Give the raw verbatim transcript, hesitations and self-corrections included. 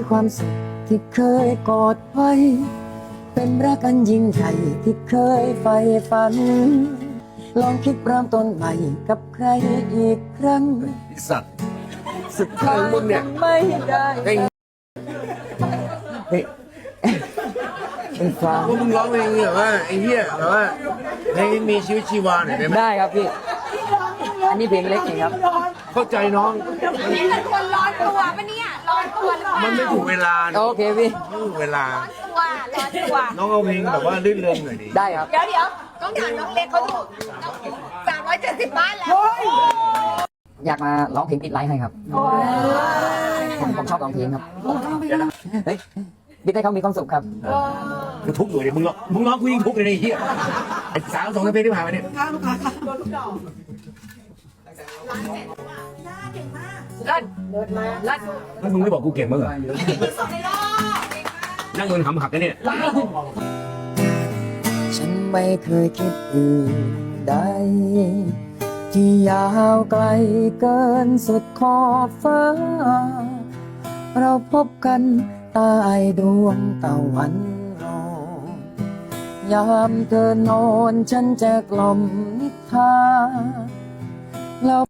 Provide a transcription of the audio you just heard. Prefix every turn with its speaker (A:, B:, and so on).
A: ความสุขที่เคยกอดไว้เป็นรักอันยิ่งใหญ่ที่เคยใฝ่ฝันลองคิดเริ่มต้นใหม่กับใครอีกครั้ง
B: สัตว์สุดท้ายมึงเนี่ย
A: ไม่ได้เฮ้ยเป็นฟัง
B: พวกมึงร้องเพลงแบบว่าไอ้เหี้ยแบบว่าเพลงมีชีวิตชีวาหน่อยได้ไหม
A: ได้ครับพี่อันนี้เพลงเล็กเองครับ
B: เข้าใจน้อง
C: นี่เป็นคนร้อนตัวปะเนี่ยร้อนตัวหรือเปล่า
B: มันไม่ถูกเวลานะ
A: โอเคพี่
B: ไม่ถูกเวลา
C: ตัวร้อนตัว
B: น้องเอาเพลงแบบว่าลื่นเริงหน่อยดิ
A: ได้ครับ
C: เดี๋ยวเดี๋ยวต้องถามน้องเล็กเขาดูสามร้อยเจ็ดสิบบ้านแล้ว
A: อยากมาร้องเพลงติดไลฟ์ให้ครับผมผมชอบร้องเพลงครับเฮ้ยดิดให้เขามีความสุขครับ
B: กูทุกข์อยู่เลยมึงร้องมึงร้องกูยิ่งทุกข์เลยไอ้เหี้ยไอ้สาวสองเพลงที่ผ่านมาเนี่ย
C: รัดรัด
B: แล้วมึงไม่บอกกูเก่งมั้งเหรอนั่งเงินหำหักกันเนี่ย
A: ฉันไม่เคยคิดอื่นใดที่ยาวไกลเกินสุดขอบฟ้า เราพบกันใต้ดวงตะวันรอยามเธอนอนฉันจะกล่อมนิทรา